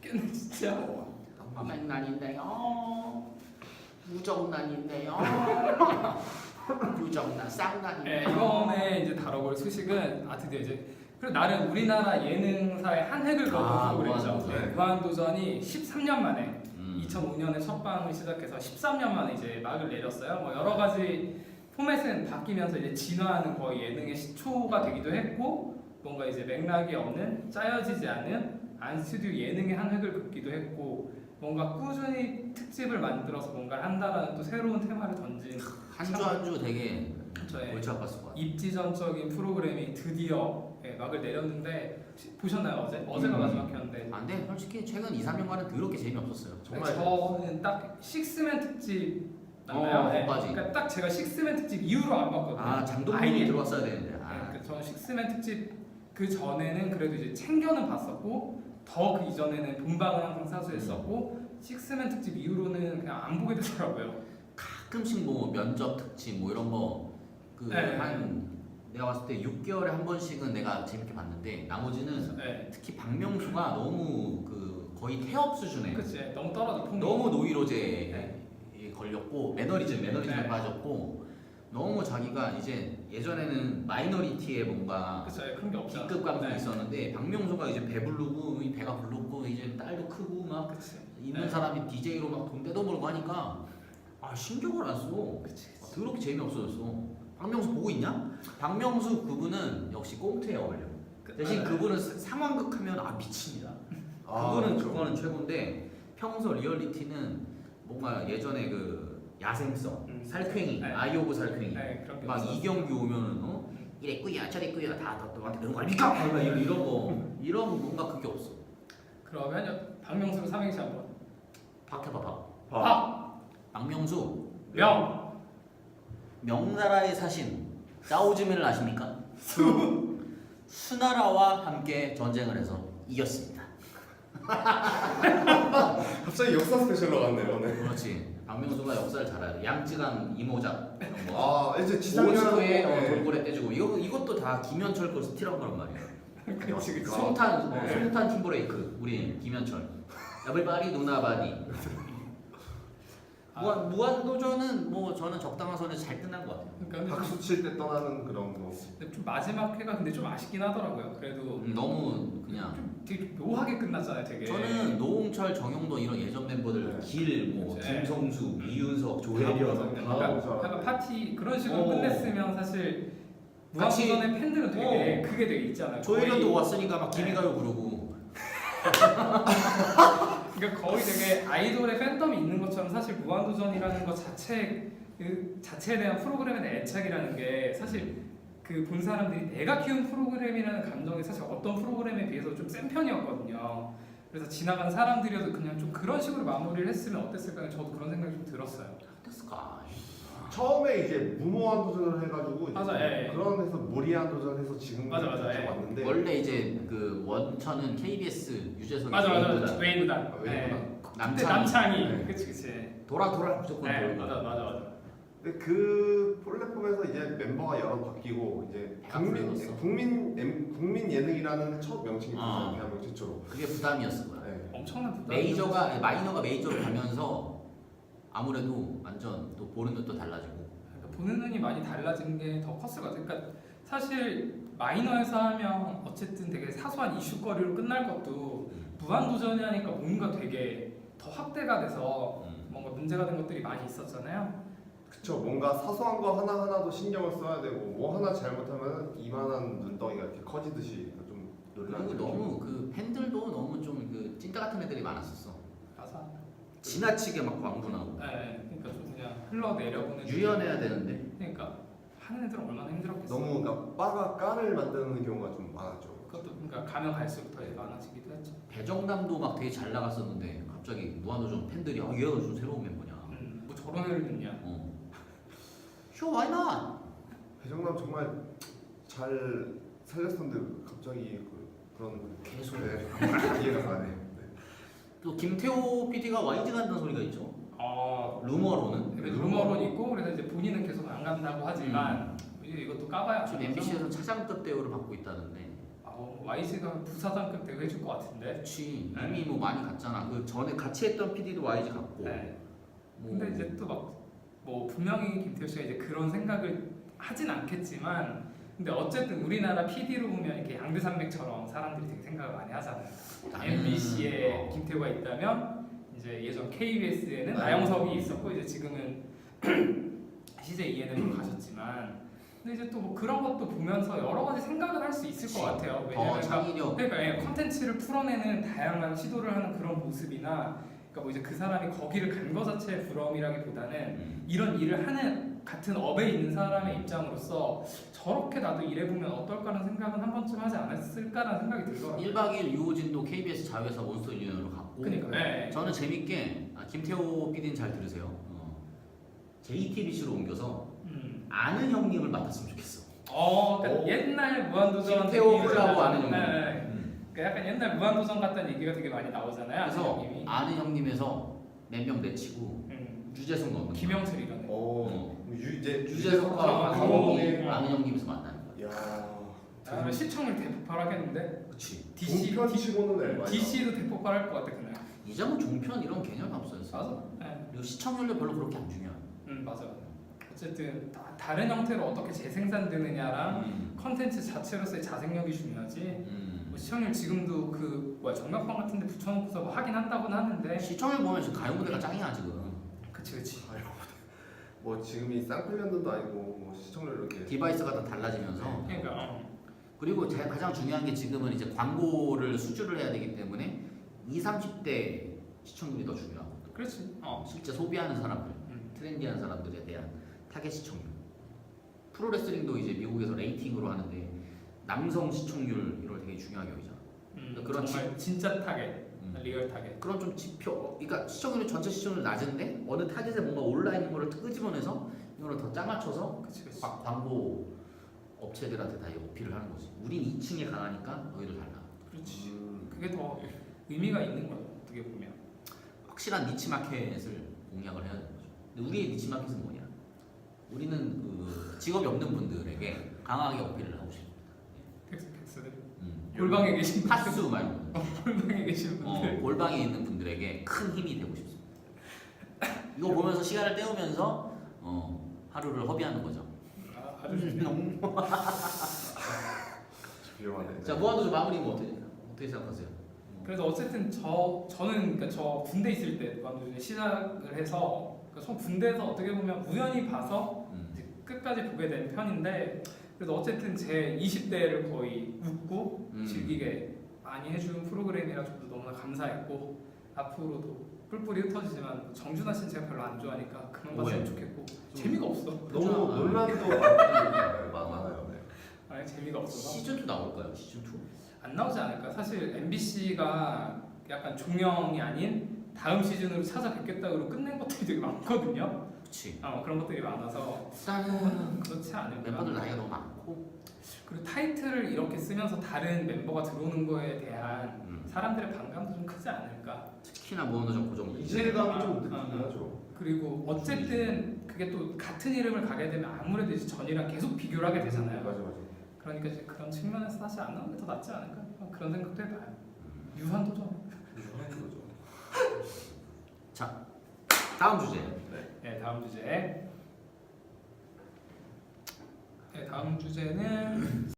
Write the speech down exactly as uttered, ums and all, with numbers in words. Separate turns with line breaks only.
죽겠네 진짜.
백난인데요. 무정난인데요. 유정난 쌍난인데요.
네, 이번에 이제 다뤄볼 소식은 아 드디어 이제 그리고 나름 우리나라 예능사의 한 획을 그었던
아,
프로그램이죠.
무한도전.
무한도전이 십삼 년 만에
음.
이천오 년에 첫 방을 시작해서 십삼 년 만에 이제 막을 내렸어요. 뭐 여러 가지 포맷은 바뀌면서 이제 진화하는 거의 예능의 시초가 되기도 했고 뭔가 이제 맥락이 없는 짜여지지 않은 안 스튜디오 예능의 한 획을 긋기도 했고 뭔가 꾸준히 특집을 만들어서 뭔가를 한다라는 또 새로운 테마를 던진
한 주 한 주 되게
저의
골치 아팠을 것 같아요.
입지전적인 프로그램이 드디어 예, 막을 내렸는데 혹시 보셨나요 어제? 어제가
음.
마지막이었는데
아, 근데 솔직히 최근 이, 삼 년간은 더럽게 재미없었어요.
정말
저는 딱 식스맨 특집 맞나요?
어,
네.
거기까지.
그러니까 딱 제가 식스맨 특집 이후로 안 봤거든요.
아, 장동민이
아예.
들어왔어야 되는데.
네,
아.
그 저는 식스맨 특집 그 전에는 그래도 이제 챙겨는 봤었고 더 그 이전에는 본방을 항상 사수했었고 식스맨 특집 이후로는 그냥 안 보게 되더라고요.
가끔씩 뭐 면접 특집 뭐 이런 거 그
네.
한 내가 봤을 때 육 개월에 한 번씩은 내가 재밌게 봤는데 나머지는
네,
특히 박명수가 너무 그 거의 태업 수준에
그치 너무 떨어져 폼이.
너무 노이로제에 걸렸고 매너리즘 매너리즘에
네.
빠졌고 너무 자기가 이제 예전에는 마이너리티에 뭔가
그쵸 그런 게 없죠.
B급 감성이
네.
있었는데 박명수가 이제 배부르고 이 배가 불렀고 이제 딸도 크고 막
그치.
있는
네.
사람이 디제이로 막 돈 떼도 벌고 하니까 아 신경을 안 써.
그치.
아, 더럽게 재미없어졌어. 박명수 보고 있냐? 박명수 그분은 역시 꽁트에 어울려. 대신
네.
그분은 사- 상황극 하면 아 미칩니다.
아,
그거는
그렇죠.
그거는 최고인데 평소 리얼리티는 뭔가 예전에 그 야생성,
음.
살쾡이,
네.
아이 오브 살쾡이
네, 그런 게
막
없었어.
이경규 오면은 어? 이랬구야 저랬구야 다 너한테 그런 거 아닙니까? 막 이런 이런 거 이런 뭔가 그게 없어.
그러면 여- 박명수 삼행시 한번.
박 해봐 박.
박,
박명수
명,
명나라에 사신 짜오즈미를 아십니까? 수 수나라와 함께 전쟁을 해서 이겼습니다.
갑자기 역사 스페셜로 갔네요. 네.
그렇지. 박명수가 역사를 잘 알아요. 양쯔강 이모작 이런 거.
아 이제 지상렬
오스토에 어,
네.
돌고래 떼주고 이거 이것도 다 김현철 거 스틸한 거란 말이야.
그치 그치.
송탄 어,
네.
송탄 팀브레이크 우리 김현철. 에블바리 누나바디.
아.
무한 무한도전은 뭐 저는 적당한 선에서 잘 끝난 것 같아요.
그러니까
박수 칠 때 떠나는 그런 거.
근데 좀 마지막 회가 근데 좀 아쉽긴 하더라고요. 그래도
음, 너무 그냥.
좀 되게 묘하게 끝났잖아요. 되게.
저는 노홍철, 정용돈 이런 예전 멤버들
네.
길, 뭐
네.
김성수, 미윤석,
다
조혜련
보죠.
그러니까
다
약간,
보죠.
약간 파티 그런 식으로
어.
끝냈으면 사실
같이-
무한도전의 팬들은 되게
어.
그게 되게 있잖아요.
조혜련도
거의-
왔으니까 막 기미가요 부르고
그러니까 거의 되게 아이돌의 팬덤이 있는 것처럼 사실 무한도전이라는 것 자체 그 자체에 대한 프로그램에 대한 애착이라는 게 사실 그 본 사람들이 내가 키운 프로그램이라는 감정이 사실 어떤 프로그램에 비해서 좀 센 편이었거든요. 그래서 지나간 사람들이어도 그냥 좀 그런 식으로 마무리를 했으면 어땠을까 저도 그런 생각이 좀 들었어요.
어땠을까?
처음에 이제 무모한 도전을 해가지고 이제
맞아, 예, 예.
그런 데서 무리한 도전해서 지금
맞아, 맞아, 예.
왔는데
원래 이제 그 원천은 케이비에스 유재석이
맞아 맞아
웨이브다.
맞아 웨이브단.
아, 웨이브단.
네. 그때
남창희.
남창이.
네.
그치 그치.
돌아 돌아 무조건
네
돌고.
맞아 맞아 맞아.
근데 그 플랫폼에서 이제 멤버가 여러 바뀌고 이제
배가
국민
불렀어.
국민 엠- 국민 예능이라는 첫 명칭이
아.
됐어요. 대한민국 최초로.
그게 부담이었을 거야.
네.
엄청난 부담.
메이저가 아니, 마이너가 메이저로 가면서 아무래도 완전 또 보는 눈도 달라지고.
그러니까 보는 눈이 많이 달라진 게 더 컸을 것 같아요. 그러니까 사실 마이너에서 하면 어쨌든 되게 사소한 이슈거리로 끝날 것도 무한도전이 하니까 뭔가 되게 더 확대가 돼서
음.
뭔가 문제가 된 것들이 많이 있었잖아요.
그쵸. 뭔가 사소한 거 하나 하나도 신경을 써야 되고 뭐 하나 잘못하면 이만한 눈덩이가 이렇게 커지듯이 좀 논란이.
그리고 너무 그 팬들도 너무 좀 그 찐따 같은 애들이 많았었어.
맞아.
지나치게 막 광분하고.
네, 그러니까 좀 그냥 흘러내려보는.
유연해야 되는데.
그러니까 하는 애들은 얼마나 힘들었겠어.
너무 그러니까 빠가 깐을 만드는 경우가 좀 많았죠.
그것도 그러니까 가면 갈수록 더 많아지기도 했죠.
배정남도 막 되게 잘 나갔었는데 갑자기 무한도전 팬들이 아 얘가 좀 새로운 멤버냐.
음, 뭐 저런 애를 듣냐.
어. 쇼 why not?
배정남 정말 잘 살렸었는데 갑자기 그, 그런
계속.
네. 이해가 가네. 네.
또 김태호 피디가 와이즈 간다는 소리가 있죠.
어,
루머로는.
그래서 루머론 있고 그래서 이제 본인은 계속 안 간다고 하지만 이제 이것도 까봐야
지금
알죠.
엠비씨에서 차장급 대우를 받고 있다는데.
아 어, 와이지가 부사장급 대우 해줄 것 같은데.
그렇지.
네.
이미 뭐 많이 갔잖아. 그 전에 같이 했던 피디도 와이지 갔고.
네.
뭐
근데 이제 또 막 뭐 분명히 김태우 씨가 이제 그런 생각을 하진 않겠지만, 근데 어쨌든 우리나라 피디로 보면 이렇게 양대산맥처럼 사람들이 되게 생각을 많이 하잖아요.
나는-
엠비씨에
어.
김태우가 있다면 이제 예전 케이비에스에는
네.
나영석이 있었고 이제 지금은 씨제이 이엔엠으로 가셨지만, 근데 이제 또뭐 그런 것도 보면서 여러 가지 생각을 할 수 있을 것 같아요.
더
왜냐면
창의력.
그러니까 예, 콘텐츠를 풀어내는 다양한 시도를 하는 그런 모습이나, 그러니까 뭐 이제 그 사람이 거기를 간 거 자체의 부러움이라기보다는
음.
이런 일을 하는 같은 업에 있는 사람의 입장으로서 저렇게 나도 일해보면 어떨까라는 생각은 한 번쯤 하지 않았을까라는 생각이 들더라고요.
일 박 이 일 유호진도 케이비에스 자회사 몬스터 유니언으로 갔고.
그러니까 예, 예.
저는 재밌게 아, 김태호 피디는 잘 들으세요. 어, 제이티비씨로 옮겨서
음.
아는 형님을 맡았으면 좋겠어.
어, 그러니까
오.
옛날 무한도전
김태호
느낌이
콜라보
나잖아요.
아는 형님.
예, 예.
음.
그러니까 약간 옛날 무한도전 같다는 얘기가 되게 많이 나오잖아요.
그래서
아는 형님이.
아는 형님에서 몇 명 내치고
음.
유재석 넣는 거야.
김영철이라는.
어, 유, 이제
유재석과
아,
강호동이
어.
아는 형님에서 만나는 거야.
야,
아, 시청률 대폭발하겠는데.
그렇지.
디씨
종편 치고는 앨범.
디씨도 대폭발할 것 같아 그날.
이제는 종편 이런 개념이 없어졌어.
맞아. 예.
그리고 시청률도 별로 그렇게 안 중요해.
음 맞아. 어쨌든 다, 다른 형태로 어떻게 재생산되느냐랑
음.
컨텐츠 자체로서의 자생력이 중요하지.
음.
뭐 시청률 지금도 그 뭐야 전광판 같은데 붙여놓고서 뭐 하긴 한다고는 하는데.
시청률 보면 지금 가요 무대가 짱이야 지금.
그치 그치.
아유, 뭐 지금이 쌍팔년도도 아니고 뭐 시청률 이렇게.
디바이스가 다 달라지면서.
그러니까 어.
그리고 제- 가장 중요한 게 지금은 이제 광고를 수주를 해야 되기 때문에 이십, 삼십 대 시청률이 더 중요하고
그렇지. 어.
실제 소비하는 사람들,
음.
트렌디한 사람들에 대한 타겟 시청률. 프로레슬링도 이제 미국에서 레이팅으로 하는데 남성 시청률 이걸 되게 중요하게 여기잖아.
음,
그런
정말 진짜 타겟,
음.
리얼 타겟.
그런 좀 지표, 그러니까 시청률이 전체 시청률 낮은데 어느 타겟에 뭔가 올라 있는 거를 끄집어내서 이거를 더 짜맞춰서
그치 그치.
막 광고 업체들한테 다 어필을 하는 거지. 우린 이 층에 강하니까 너희들 달라.
그렇지.
음,
그게 더 의미가 있는 거죠. 어떻게 보면.
확실한 니치 마켓을 공략을 해야 되는 거죠. 근데 우리의 니치 마켓은 뭐냐? 우리는 그 직업이 없는 분들에게 강하게 어필을 하고 싶습니다.
텍스 텍스들.
음.
골방에 계신 분들.
타수 말고
골방에 계신
어,
분들.
골방에 있는 분들에게 큰 힘이 되고 싶습니다. 이거 보면서 시간을 때우면서 어, 하루를 허비하는 거죠.
아, 아주 좋네.
위험하네.
자, 무한도전 마무리 뭐 어떻게 어떻게 생각하세요?
그래서 어쨌든 저 저는 그러니까 저 군대 있을 때 무한도전에 시작을 해서 그러니까 저 군대에서 어떻게 보면 우연히 봐서
음.
이제 끝까지 보게 된 편인데, 그래도 어쨌든 제 이십 대를 거의 웃고
음.
즐기게 많이 해준 프로그램이라 저도 너무나 감사했고, 앞으로도 뿔뿔이 흩어지지만 정준하 씨는 제가 별로 안 좋아하니까 그만 봤으면
왜?
좋겠고. 재미가 없어.
너무
아.
논란도 많- 많아요. 네.
아니 재미가 없어서
시즌 투 나올까요? 시즌 투?
안 나오지 않을까? 사실 엠비씨가 약간 종영이 아닌 다음 시즌으로 찾아뵙겠다고 끝낸 것들이 되게 많거든요.
그렇지.
어, 그런 것들이 많아서
일단은
그렇지 않을까?
멤버들 나이가 너무 많고
그리고 타이틀을 이렇게 쓰면서 다른 멤버가 들어오는 거에 대한
음.
사람들의 반감도 좀 크지 않을까?
특히나 무한도전 고정
이질감이 좀
아,
느끼긴
아.
하죠.
그리고 어쨌든 그게 또 같은 이름을 가게 되면 아무래도 이제 전이랑 계속 비교를 하게 되잖아요.
맞아 맞아.
그러니까 이제 그런 측면에서 사실 안 나오는 게 더 낫지 않을까? 어, 그런 생각도 해봐요. 유한도전.
유효한 거죠.
자, 다음 주제.
네, 다음 주제. 네, 다음 주제는